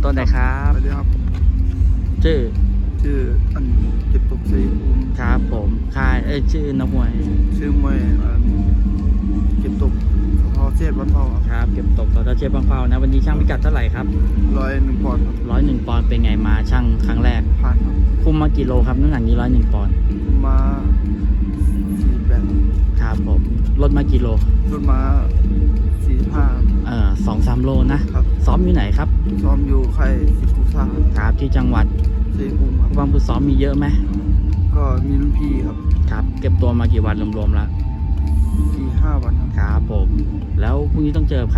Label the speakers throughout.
Speaker 1: ต้นไหนครับ
Speaker 2: สวัสดีครับ
Speaker 1: ชื่อ
Speaker 2: อันเก็บตกชัยภูมิ
Speaker 1: ครับผมค่ายชื่อนักมวย
Speaker 2: ชื่อมวยเก็บตกทอเชษวันเผา
Speaker 1: ครับเก็บตกต่อเชฟบางเฝ้านะวันนี้ช่างพิกัดเท่าไหร่ครับ
Speaker 2: 101 ปอนด์ครับ
Speaker 1: 101 ปอนด์เป็นไงมาช่างครั้งแรก
Speaker 2: ผ่านครับ
Speaker 1: คุมมากี่โลครับน้ำหนักนี้101 ปอนด์
Speaker 2: มา48
Speaker 1: ครับผมลดมากี่โล
Speaker 2: รุ่นมา45
Speaker 1: 2-3 โลนะครับ ซ้อมอยู่ไหนครับ
Speaker 2: ซ้อมอยู่ค่ายสิทธิ์กุซ่า
Speaker 1: ครับที่จังหวัด
Speaker 2: ชัยภูมิครับ
Speaker 1: ความฝึกซ้อมมีเยอะไหม
Speaker 2: ก็มีรุ่นพี่ครับ
Speaker 1: ครับเก็บตัวมากี่วันรวมๆแล้ว
Speaker 2: 4-5 วันครับ
Speaker 1: ครับผมแล้วพรุ่งนี้ต้องเจอใคร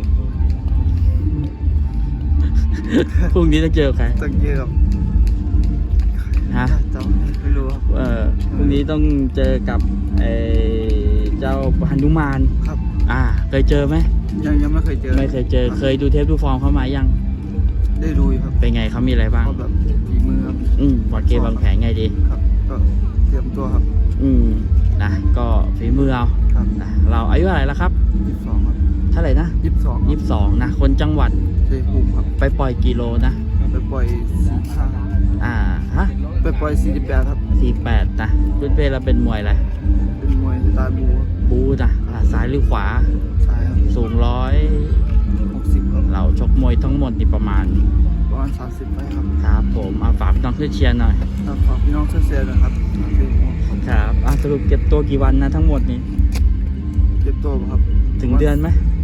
Speaker 1: พรุ่งนี้ต้องเจอใคร
Speaker 2: ตั้งเยอะครับ
Speaker 1: ฮะ
Speaker 2: จำไม่รู้ครับ
Speaker 1: พรุ่งนี้ต้องเจอกับเจ้าหนุมาน
Speaker 2: ครับ
Speaker 1: เคยเจอไหม
Speaker 2: ยังไม่เคยเจอ
Speaker 1: เคยดูเทปดูฟอร์มเขามายัง
Speaker 2: ได้ดูครับ
Speaker 1: เป็นไงเขามีอะไรบ้าง
Speaker 2: แบบฝีมือครับ
Speaker 1: วางเกมวางแผนไงดี
Speaker 2: ครับก็เตรียมตัวครับ
Speaker 1: นะก็ฝีมือเอา
Speaker 2: ครับ
Speaker 1: นะเราอายุอะไรแล้วครับ
Speaker 2: 22ครับ
Speaker 1: เท่าไหร่นะ22นะคนจังหวัด
Speaker 2: ชัยภูมิครับ
Speaker 1: ไปปล่อยกิโลนะ
Speaker 2: ไปปล่อย45
Speaker 1: ฮะ
Speaker 2: ไปปล่อย48ครับ
Speaker 1: 48นะพื้นเพเราเป็นมวยอะไร
Speaker 2: เป็นมวยสไตล์บู
Speaker 1: นะซ้ายหรือขวา
Speaker 2: ซ้ายครับ
Speaker 1: สูง
Speaker 2: 60ครับ
Speaker 1: เราชกมวยทั้งหมดนี่ประมาณ
Speaker 2: 30ไปครับ
Speaker 1: ครับผมฝากพี่น้องช่วยเชียร์หน่อย
Speaker 2: ฝากพี่น้องช่วยเชียร์นะครับ
Speaker 1: ครับสรุปเก็บตัวกี่วันนะทั้งหมดนี้
Speaker 2: เก็บตัวครับ
Speaker 1: ถึงเดือนไหม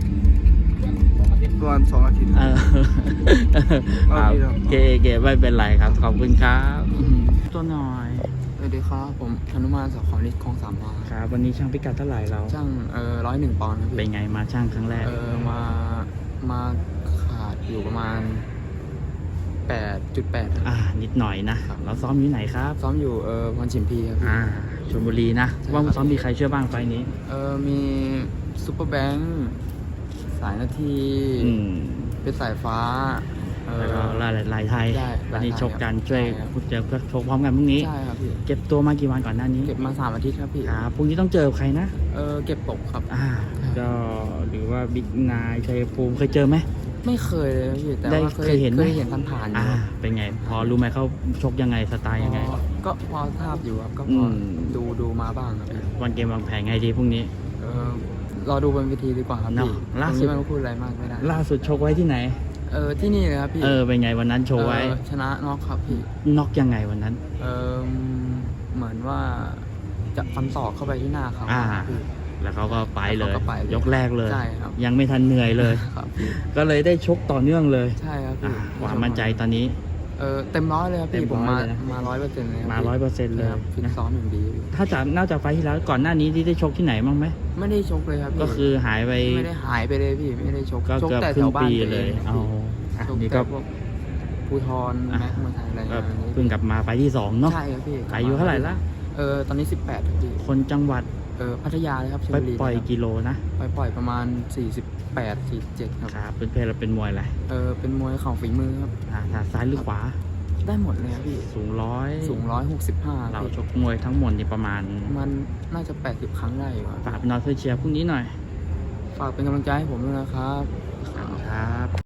Speaker 2: ประมาณ2 อาทิตย์
Speaker 1: เก๋ไม่เป็นไรครับขอบคุณครับตัวหน่อย
Speaker 3: สวัสดีครับผมหนุมานสขฤทธิ์คลอง3 วา
Speaker 1: ครับวันนี้ช่างพิกัดเท่าไหร่เรา
Speaker 3: ช่าง101 ปอนด์ครับ
Speaker 1: เป็นไงมาช่างครั้งแรก
Speaker 3: มาขาดอยู่ประมาณ8.8
Speaker 1: นิดหน่อยนะเราซ้อมอยู่ไหนครับ
Speaker 3: ซ้อมอยู่พรชิมพีครับ
Speaker 1: ชลบุรีนะว่าซ้อมมีใครช่วยบ้างไฟนี้
Speaker 3: มีซุปเปอร์แบงค์สายนาทีเป็นสายฟ้า
Speaker 1: แล้วก็ลายไทยวันนี้ชกกันช่วยเจอเพื่อชกพร้อมกันพรุ่งนี้
Speaker 3: ใช่ครับพี่
Speaker 1: เก็บตัวมากี่วันก่อนหน้านี้
Speaker 3: เก็บมา3 อาทิตย์ครับพี่
Speaker 1: พรุ่งนี้ต้องเจอใครนะ
Speaker 3: เก็บตกครับ
Speaker 1: ก็หรือว่าบิ๊กนายชัยภูมิเคยเจอไหม
Speaker 3: ไม่เคยเลยพี่แต่ว่าเคยเห็นผ่าน
Speaker 1: เป็นไงพอรู้ไหมเขาชกยังไงสไตล์ยังไง
Speaker 3: ก็พอทราบอยู่ครับก็พอดูมาบ้างครับ
Speaker 1: วันเกมวางแผนไงดีพรุ่งนี้
Speaker 3: รอดูบนเวทีดีกว่าครับพี่
Speaker 1: ล่าสุด
Speaker 3: ไม่พูดอะไรมากไม่ได้
Speaker 1: ล่าสุดชกไว้ที่ไหน
Speaker 3: ที่นี่เลยครับพี่
Speaker 1: เป็นไงวันนั้นโชว์ไว้
Speaker 3: ชนะน็อกครับพี่
Speaker 1: น็อกยังไงวันนั้น
Speaker 3: เหมือนว่าจะฟันศอกเข้าไปที่หน้าเขา
Speaker 1: แล้วเขาก็ไปเลยยกแรกเลยยังไม่ทันเหนื่อยเลย ก็เลยได้ชกต่อเนื่องเลย
Speaker 3: ใช่ครับพี่
Speaker 1: ความมั่นใจตอนนี้
Speaker 3: เต็มร้อยเลยครับพี่ผมมา100%เลย
Speaker 1: มา100%เลย
Speaker 3: ฟิตซ้อมอย่างดี
Speaker 1: ถ้าจากนอกจากไฟที่แล้วก่อนหน้านี้ที่ได้ชกที่ไหนบ้างไหม
Speaker 3: ไม่ได้ชกเลยครับ
Speaker 1: ก็คือหายไป
Speaker 3: ไม่ได้หายไปเลยพี่ไม่ได้ชก
Speaker 1: ก็เกือบครึ่งปีเลย
Speaker 3: นี่ก็ภูทรแม็กมาไทยอะไร
Speaker 1: เพิ่งกลับมาไฟที่2เนาะ
Speaker 3: ใช่ครับพี่
Speaker 1: อายุเท่าไหร่ละ
Speaker 3: ตอนนี้18ครับพี่
Speaker 1: คนจังหวัด
Speaker 3: พัทยาเลยครับ
Speaker 1: ไปปล่อยกิโลนะ
Speaker 3: ไปปล่อยประมาณ48-47ครับ
Speaker 1: เป็นเพลเราเป็นมวยอะไร
Speaker 3: เป็นมวยเข่าฝีมือครับ
Speaker 1: ซ้ายหรือขวา
Speaker 3: ได้หมดเลยครับพี่
Speaker 1: สูง
Speaker 3: 165
Speaker 1: เราชกมวยทั้งหมดนี่ประมาณ
Speaker 3: มันน่าจะ80 ครั้งได้อยู่
Speaker 1: ฝากพี่น้องเชียร์พรุ่งนี้หน่อย
Speaker 3: ฝากเป็นกำลังใจให้ผมด้วยนะครับ
Speaker 1: ครับ